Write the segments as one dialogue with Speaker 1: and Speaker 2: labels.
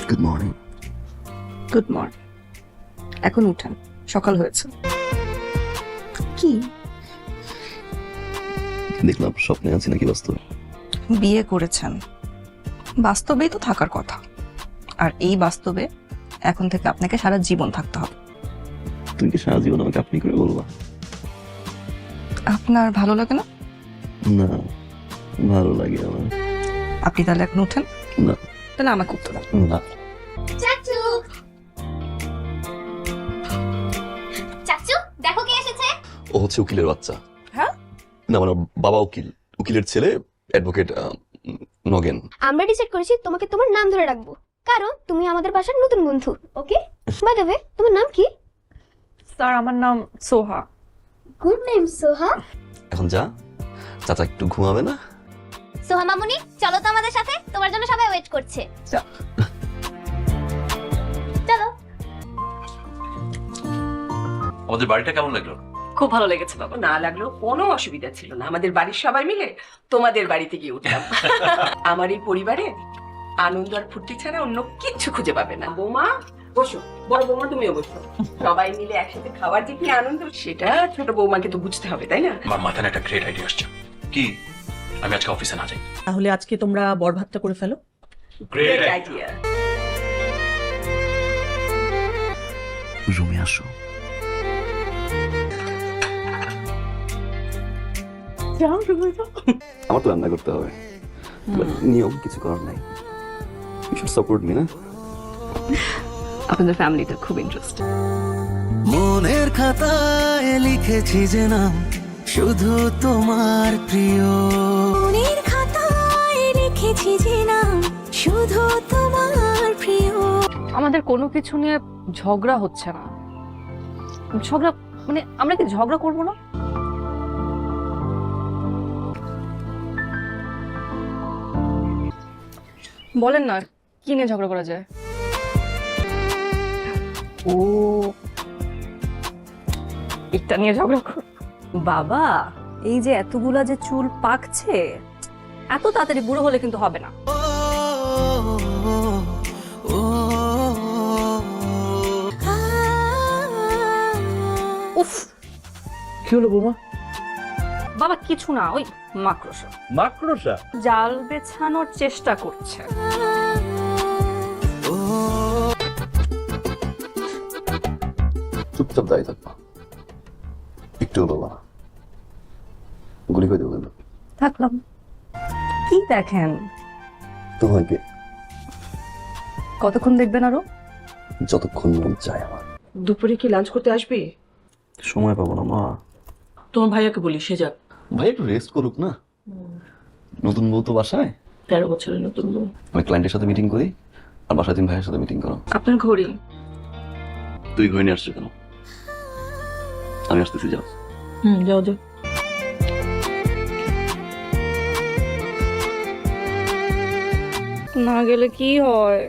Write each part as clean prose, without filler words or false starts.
Speaker 1: Good morning.
Speaker 2: Good morning. এখন উঠেন, সকাল হয়েছে। কি
Speaker 1: দেখলাম স্বপ্নে আছি নাকি বাস্তবে?
Speaker 2: বিয়ে করেছেন, বাস্তবেই তো থাকার কথা। আর এই বাস্তবে এখন থেকে আপনাকে সারা জীবন থাকতে হবে।
Speaker 1: তুমি কি সারা জীবন আমাকে আপনি করে বলবা?
Speaker 2: আপনার ভালো লাগে না?
Speaker 1: না, ভালো লাগে আমার।
Speaker 2: আপনি তাহলে এখন উঠেন।
Speaker 1: না।
Speaker 2: তাহলে আমাকে উঠতে দেন।
Speaker 1: না।
Speaker 3: চাচু, চাচু দেখো কে এসেছে।
Speaker 1: ও হচ্ছে উকিলের বাচ্চা।
Speaker 2: হ্যাঁ?
Speaker 1: না মানে বাবা উকিল, উকিলের ছেলে অ্যাডভোকেট নগেন।
Speaker 3: আমরা ডিসাইড করেছি তোমাকে তোমার নাম ধরে রাখবো, কারণ তুমি আমাদের বাসার নতুন বন্ধু। ওকে, বাই দ্য ওয়ে তোমার নাম কি?
Speaker 2: স্যার আমার নাম সোহা।
Speaker 3: গুড নেম সোহা।
Speaker 1: এখন যা, চাচা একটু ঘুমাবে না?
Speaker 3: সোহা মামুনি চলো তো আমাদের সাথে, তোমার জন্য সবাই ওয়েট করছে। চলো।
Speaker 4: আমাদের বাড়িটা কেমন লাগলো?
Speaker 5: খুব ভালো লেগেছে বাবা, না লাগলেও কোনো অসুবিধা ছিল না। আমাদের বাড়ির সবাই মিলে তোমাদের বাড়িতে গিয়ে উঠলাম। আমার এই পরিবারে আনন্দ আর ফুর্তি ছাড়া অন্য কিচ্ছু খুঁজে পাবে না। বৌমা বসো, বড় বৌমা তুমিও বসো। সবাই মিলে একসাথে খাওয়ার যে কি আনন্দ, সেটা ছোট বৌমাকে তো বুঝতে হবে, তাই না?
Speaker 4: আমার মাথায় একটা গ্রেট আইডিয়া আসছে। কি? আমি আজকে অফিসে না যাই?
Speaker 6: তাহলে আজকে তোমরা বড় ভাতটা করে ফেলো।
Speaker 4: Great
Speaker 5: idea.
Speaker 1: রুমে আসো। আমার তো রান্না করতে হবে, নিয়ম কিছু করার নাই। ইউ শুড সাপোর্ট মি না?
Speaker 2: আপনাদের ফ্যামিলিটা খুব ইন্টারেস্টিং।
Speaker 7: মনের খাতায় লিখেছি যে নাম শুধু তোমার প্রিয়।
Speaker 3: মনের খাতায় লিখেছি যে নাম শুধু তোমার প্রিয়।
Speaker 2: আমাদের কোনো কিছু নিয়ে ঝগড়া হচ্ছে না। ঝগড়া মানে আমরা কি ঝগড়া করবো না? বলেন না, কি নিয়ে ঝগড়া করা যায়? ও, এটা নিয়ে ঝগড়া কর। বাবা, এই যে এতগুলা যে চুল পাকছে, এত তাড়াতাড়ি বুড়ো হলে কিন্তু হবে না। উফ,
Speaker 8: কি হলো বৌমা?
Speaker 2: বাবা কিছু না, ওই মাকড়সা
Speaker 8: মাকড়সা?
Speaker 2: জাল বেছানোর চেষ্টা করছে।
Speaker 1: চুপচাপ দাঁড়িয়ে থাকবা, একটু বলবা না। গুলি করে দেবো কিন্তু।
Speaker 2: থাকলাম। কি দেখেন?
Speaker 1: তোমাকে
Speaker 2: কতক্ষণ দেখবেন আরো?
Speaker 1: যতক্ষণ মন চায় আমার।
Speaker 5: দুপুরে কি লাঞ্চ করতে আসবি?
Speaker 1: সময় পাবো না মা।
Speaker 5: তোমার ভাইয়াকে বলি সে যাক।
Speaker 1: ভাই একটু রেস্ট করুক না, নতুন বউ তো বাসায়।
Speaker 5: 13 বছরের নতুন বউ।
Speaker 1: আমি ক্লায়েন্টের সাথে মিটিং করি, আর বাসায় তুমি ভাইয়ের সাথে মিটিং করো।
Speaker 5: আপনার ঘড়ি?
Speaker 1: তুই ঘরে নিয়ে আসছো কেন? আমি আসতেছি, যাও।
Speaker 5: যাও যাও।
Speaker 2: না গেলে কি হয়?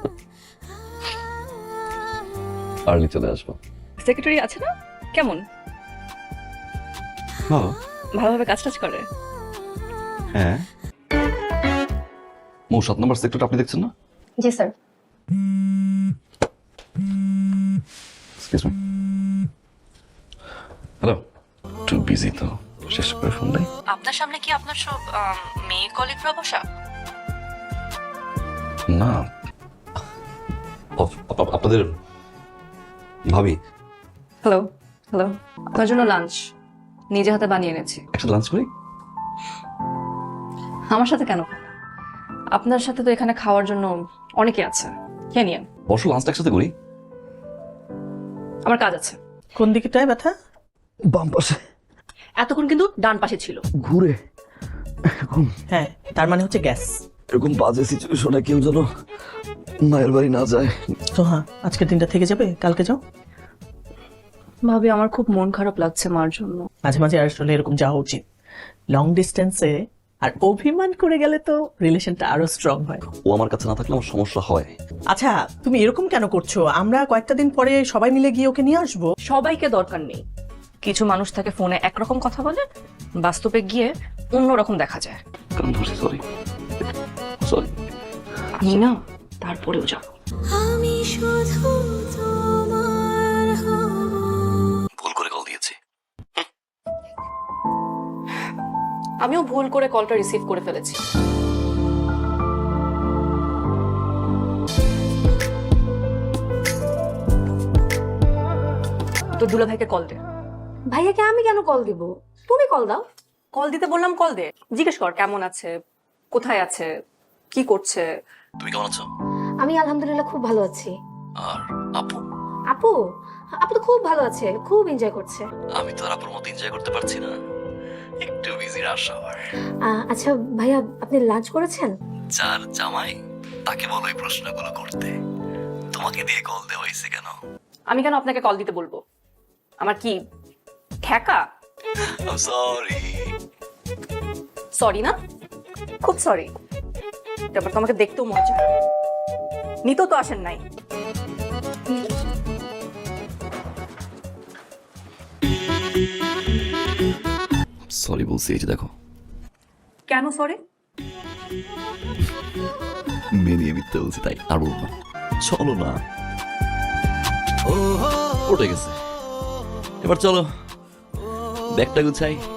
Speaker 1: আর্লি চলে আসবো।
Speaker 2: সেক্রেটারি আছে না? কেমন?
Speaker 1: ভালো।
Speaker 2: ভালোভাবে কাজ টাজ করে?
Speaker 1: হ্যাঁ। 7 নম্বর সেক্টর আপনি দেখছেন না?
Speaker 3: জি স্যার।
Speaker 1: Excuse me. হ্যালো, একটু বিজি তো, শেষ করে ফোন দেয়।
Speaker 2: আপনার সামনে কি আপনার সব মেয়ে কলিগরা বসা?
Speaker 1: না, আপনাদের ভাবি।
Speaker 2: হ্যালো হ্যালো, আপনার জন্য লাঞ্চ নিজে হাতে বানিয়ে এনেছি।
Speaker 1: একসাথে লাঞ্চ করি?
Speaker 2: আমার সাথে কেন? আপনার সাথে তো এখানে খাওয়ার জন্য অনেকে আছে, খেয়ে নিন।
Speaker 1: বসো, লাঞ্চটা একসাথে করি।
Speaker 2: আমার কাজ আছে।
Speaker 6: কোন দিকটায় ব্যথা?
Speaker 1: বাম পাশে।
Speaker 2: এতক্ষণ কিন্তু ডান পাশে ছিল।
Speaker 1: ঘুরে এরকম,
Speaker 6: হ্যাঁ, তার মানে হচ্ছে গ্যাস।
Speaker 1: এরকম বাজে সিচুয়েশনে কেউ যেন মায়ের বাড়ি না যায়।
Speaker 6: তো হ্যাঁ, আজকের দিনটা থেকে যাবে, কালকে যাও।
Speaker 2: ভাবি আমার খুব মন খারাপ লাগছে মার জন্য।
Speaker 6: মাঝে মাঝে আসলে এরকম যাওয়া উচিত। লং ডিস্টেন্সে আর অভিমান করে গেলে তো রিলেশনটা আরো স্ট্রং হয়।
Speaker 1: ও আমার কাছে না থাকলে আমার সমস্যা হয়।
Speaker 6: আচ্ছা, তুমি এরকম কেন করছো? আমরা কয়েকটা দিন পরে সবাই মিলে গিয়ে ওকে নিয়ে আসবো।
Speaker 2: সবাইকে দরকার নেই। কিছু মানুষ থাকে ফোনে একরকম কথা বলে, বাস্তবে গিয়ে অন্যরকম দেখা যায়।
Speaker 1: কারণ সরি সরি
Speaker 2: আমি না তারপরেও যাবো।
Speaker 7: শুধু তোমার হব।
Speaker 1: ভুল করে কল দিয়েছি।
Speaker 2: আমিও ভুল করে কলটা রিসিভ করে ফেলেছি। তোর দুলা ভাইকে কল দে।
Speaker 9: ভাইয়াকে আমি কেন কল দিব? তুমি কল দাও।
Speaker 2: কল দিতে বললাম, কল দে। জিজ্ঞেস কর কেমন আছে, কোথায় আছে, কি করছে।
Speaker 1: তুমি কেমন আছো?
Speaker 9: আমি আলহামদুলিল্লাহ খুব ভালো আছি।
Speaker 1: আর আপু?
Speaker 9: আপু আপু তো খুব ভালো আছে, খুব এনজয় করছে।
Speaker 1: আমি তো আর আপুর মতো এনজয় করতে পারছি না, একটু বিজি রাশ আওয়ার।
Speaker 9: আচ্ছা ভাইয়া, আপনি লাঞ্চ করেছেন?
Speaker 1: যার জামাই তাকে বলো এই প্রশ্নগুলো করতে। তোমাকে দিয়ে কল দেওয়া হয়েছে কেন?
Speaker 2: আমি কেন আপনাকে কল দিতে বলবো? আমার কি ঠেকা?
Speaker 1: সরি।
Speaker 2: সরি না, খুব সরি। তারপর তোমাকে দেখতেও মজা, নিতেও তো আসেন নাই।
Speaker 1: সরি বলছি, এই যে দেখো।
Speaker 2: কেন সরি?
Speaker 1: মেনিয়ে মিথ্যে বলছি তাই, আর বলবো না। চলো না, উঠে গেছে। এবার চলো ব্যাগটা গুছাই।